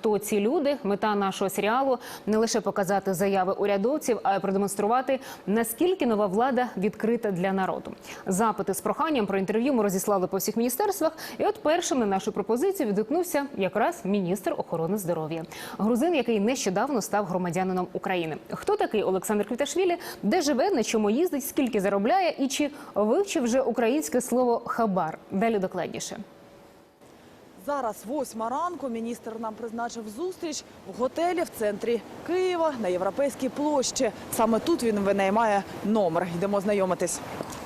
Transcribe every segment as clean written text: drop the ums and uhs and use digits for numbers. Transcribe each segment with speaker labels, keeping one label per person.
Speaker 1: хто ці люди. Мета нашого серіалу – не лише показати заяви урядовців, а й продемонструвати, наскільки нова влада відкрита для народу. Запити з проханням про інтерв'ю ми розіслали по всіх міністерствах. І от першим на нашу пропозицію відгукнувся якраз міністр охорони здоров'я. Грузин, який нещодавно став громадянином України. Хто такий Олександр Квіташвілі, де живе, на чому їздить, скільки заробляє і чи вивчив вже українське слово «хабар». Далі докладніше.
Speaker 2: Зараз 8 ранку, міністр нам призначив зустріч в готелі в центрі Києва на Європейській площі. Саме тут він винаймає номер. Йдемо знайомитись.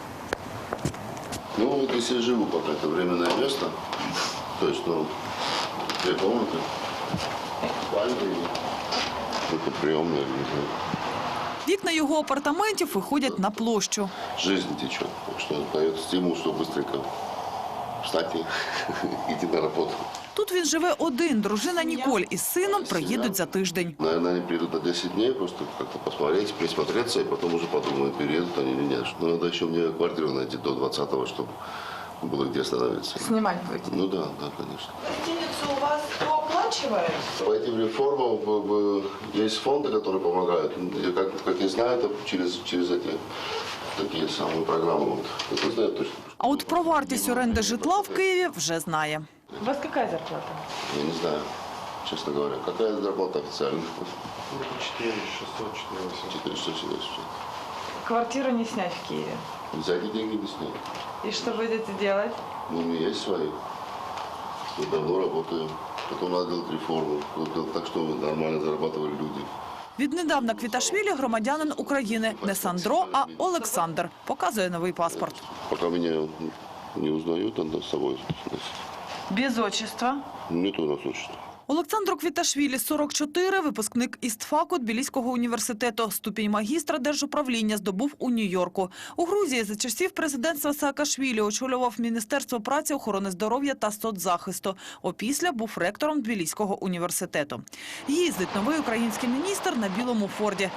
Speaker 3: Ну, вот если я живу пока, это временное место, то есть, 2 комнаты, спальня, это приемная, не знаю.
Speaker 2: Вікна його апартаментів виходять на площу.
Speaker 3: Жизнь течет, так что дает стимул, чтобы быстренько встать и идти на работу.
Speaker 2: Тут він живе один. Дружина Ніколь із сином приїдуть за тиждень.
Speaker 3: Наверное, они приедут на 10 дней, просто как-то посмотреть, присмотреться, и потом уже подумают, переедут они или нет. Но надо еще мне квартиру найти до 20-го, чтобы было где остановиться.
Speaker 2: Снимать будете?
Speaker 3: Ну да, конечно.
Speaker 2: Гостиницу у вас кто оплачивает?
Speaker 3: По этим реформам есть фонды, которые помогают. И как я знаю, это через эти такие самые программы. Вот. Это знаю точно.
Speaker 2: А от про вартість оренди житла в Києві вже знає.
Speaker 4: У вас какая зарплата?
Speaker 3: Я не знаю, честно говоря. Какая зарплата официально?
Speaker 5: 4600, 4800.
Speaker 3: 470.
Speaker 4: Квартиру не снять в Киеве.
Speaker 3: За эти деньги не снять.
Speaker 4: И что будете делать?
Speaker 3: Ну, у меня есть свои. Я давно работаю. Потом надо делать реформу. Делать так, чтобы нормально зарабатывали люди.
Speaker 2: Віднедавна Квіташвілі громадянин України. Не Сандро, а Олександр. Показує новий паспорт.
Speaker 3: Пока меня не узнают, надо с собой носить.
Speaker 4: Без отчества?
Speaker 3: Нет у нас отчества.
Speaker 2: Олександру Квіташвілі 44, випускник ІСТФАКу Тбіліського університету. Ступінь магістра держуправління здобув у Нью-Йорку. У Грузії за часів президентства Саакашвілі очолював Міністерство праці, охорони здоров'я та соцзахисту. Опісля був ректором Тбіліського університету. Їздить новий український міністр на білому Форді.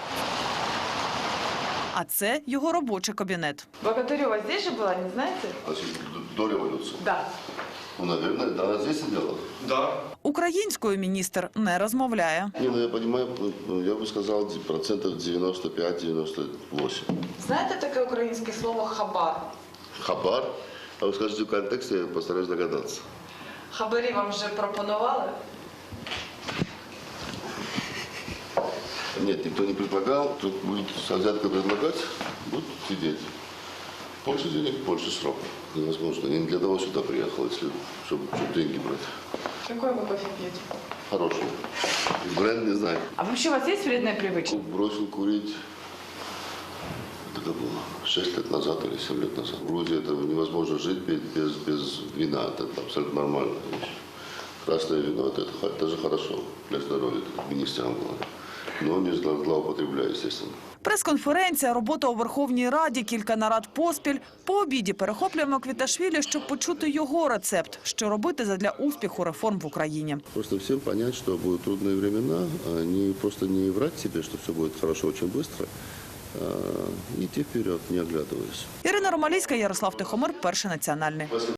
Speaker 2: А це його робочий кабінет.
Speaker 4: Богатырева здесь же была, не знаете?
Speaker 3: Значит, до революции.
Speaker 4: Да.
Speaker 3: Ну, наверное, да, она здесь сидела.
Speaker 5: Да.
Speaker 2: Українською міністр не розмовляє.
Speaker 3: Не, ну я понимаю, я бы сказал, 95-98%.
Speaker 4: Знаете такое украинское слово «хабар»?
Speaker 3: Хабар? А вы скажете в контексте, я постараюсь догадаться.
Speaker 4: Хабарі вам вже пропонували?
Speaker 3: Нет, никто не предлагал. Тут будет взятка предлагать, будут сидеть. Больше денег, больше срок. Невозможно. Я не для того сюда приехал, чтобы деньги брать.
Speaker 4: Какой вы кофе пьете?
Speaker 3: Хороший. Бренд не знаю.
Speaker 4: А вообще у вас есть вредная привычка?
Speaker 3: Бросил курить. Это было 6 лет назад или 7 лет назад. В Грузии это невозможно жить без вина. Это абсолютно нормальная вещь. Красное вино это же хорошо для здоровья, это министрам говорят. Но не злоупотребляю, естественно.
Speaker 2: Прес-конференція, робота у Верховній Раді, кілька нарад поспіль. По обіді перехоплюємо Квіташвілі, щоб почути його рецепт, що робити задля успіху реформ в Україні.
Speaker 3: Просто всем понять, что будут трудные времена, просто не врать себе, что все будет хорошо очень быстро, а идти вперед, не оглядываясь.
Speaker 2: Ірина Ромалійська, Ярослав Тихомир, Перший національний.